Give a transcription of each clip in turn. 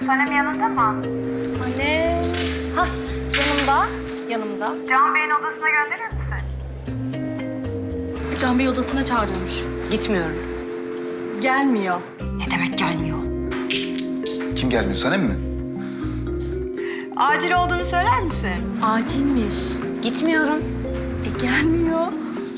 Sanem yanında mı? Sanem... Hah, yanımda. Can Bey'in odasına gönderir misin? Can Bey odasına çağırıyormuş. Gitmiyorum. Gelmiyor. Ne demek gelmiyor? Kim gelmiyor, Sanem mi? Acil olduğunu söyler misin? Acilmiş. Gitmiyorum. Gelmiyor.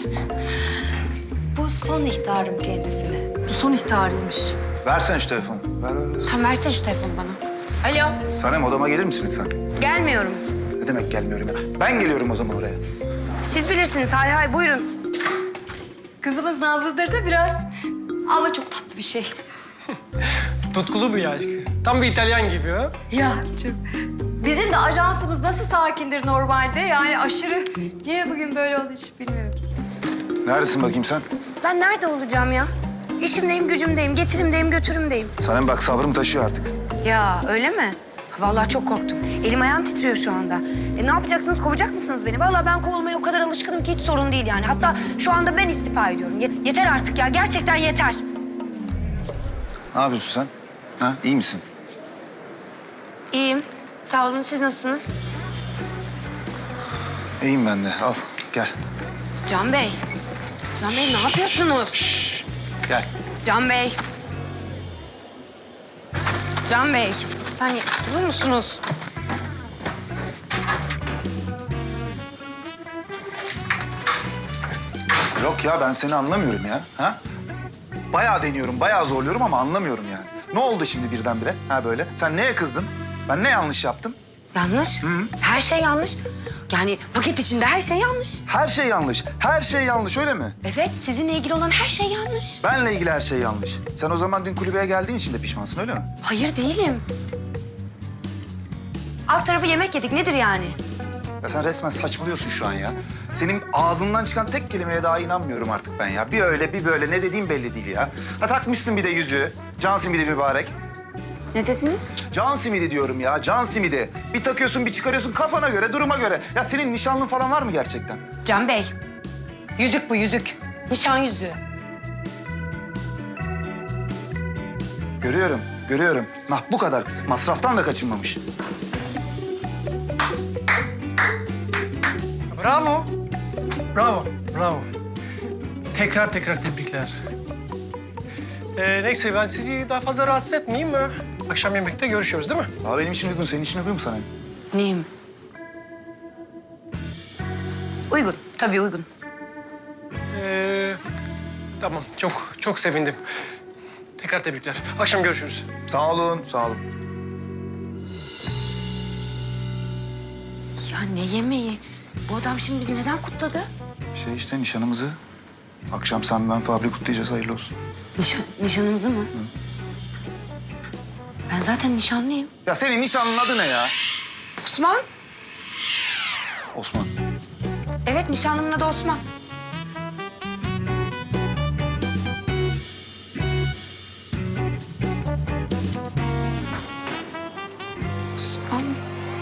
Bu son ihtarım kendisine. Bu son ihtarıymış. Versene şu telefonu. Ver. Tam versene şu telefonu bana. Alo. Sanem, odama gelir misin lütfen? Gelmiyorum. Ne demek gelmiyorum ya? Ben geliyorum o zaman oraya. Siz bilirsiniz. Hay hay buyurun. Kızımız Nazlı'dır da biraz. Ama çok tatlı bir şey. Tutkulu bir aşk. Tam bir İtalyan gibi ha. Ya çok. Bizim de ajansımız nasıl sakindir normalde? Yani aşırı. Niye bugün böyle oldu hiç bilmiyorum. Neredesin bakayım sen? Ben nerede olacağım ya? İşimdeyim, gücümdeyim, getirimdeyim, götürümdeyim. Sanem bak, sabrım taşıyor artık. Ya öyle mi? Vallahi çok korktum. Elim ayağım titriyor şu anda. Ne yapacaksınız? Kovacak mısınız beni? Vallahi ben kovulmaya o kadar alışkınım ki hiç sorun değil yani. Hatta şu anda ben istifa ediyorum. Yeter artık ya. Gerçekten yeter. Ne yapıyorsun sen? Ha, iyi misin? İyiyim. Sağ olun. Siz nasılsınız? İyiyim ben de. Al, gel. Can Bey. Can Bey ne yapıyorsunuz? Gel. Can Bey. Can Bey. Bir saniye durur musunuz? Yok ya, ben seni anlamıyorum ya. Ha? Bayağı deniyorum, bayağı zorluyorum ama anlamıyorum yani. Ne oldu şimdi birdenbire? Ha böyle. Sen neye kızdın? Ben ne yanlış yaptım? Yanlış. Her şey yanlış. Yani paket içinde her şey yanlış. Her şey yanlış. Her şey yanlış, öyle mi? Evet, sizinle ilgili olan her şey yanlış. Benle ilgili her şey yanlış. Sen o zaman dün kulübeye geldiğin için de pişmansın, öyle mi? Hayır değilim. Alt tarafı yemek yedik. Nedir yani? Ya sen resmen saçmalıyorsun şu an ya. Senin ağzından çıkan tek kelimeye daha inanmıyorum artık ben ya. Bir öyle bir böyle, ne dediğin belli değil ya. Ha, takmışsın bir de yüzüğü. Can simidi mübarek. Ne dediniz? Can simidi diyorum ya, can simidi. Bir takıyorsun, bir çıkarıyorsun kafana göre, duruma göre. Ya senin nişanlın falan var mı gerçekten? Can Bey. Yüzük bu yüzük. Nişan yüzüğü. Görüyorum, görüyorum. Nah bu kadar. Masraftan da kaçınmamış. Bravo. Bravo. Bravo. Tekrar tebrikler. Neyse ben sizi daha fazla rahatsız etmeyeyim mi? Akşam yemekte görüşüyoruz değil mi? Aa, benim için uygun, senin için uygun mu sana? Neyim? Uygun. Tabii uygun. Tamam. Çok sevindim. Tekrar tebrikler. Akşam görüşürüz. Sağ olun, sağ olun. Ya ne yemeği? Bu adam şimdi bizi neden kutladı? Şey işte nişanımızı. Akşam sen ben Fabri kutlayacağız, hayırlı olsun. Nişanımızı mı? Ben zaten nişanlıyım. Ya senin nişanlının adı ne ya? Osman? Osman. Evet nişanlımın adı Osman.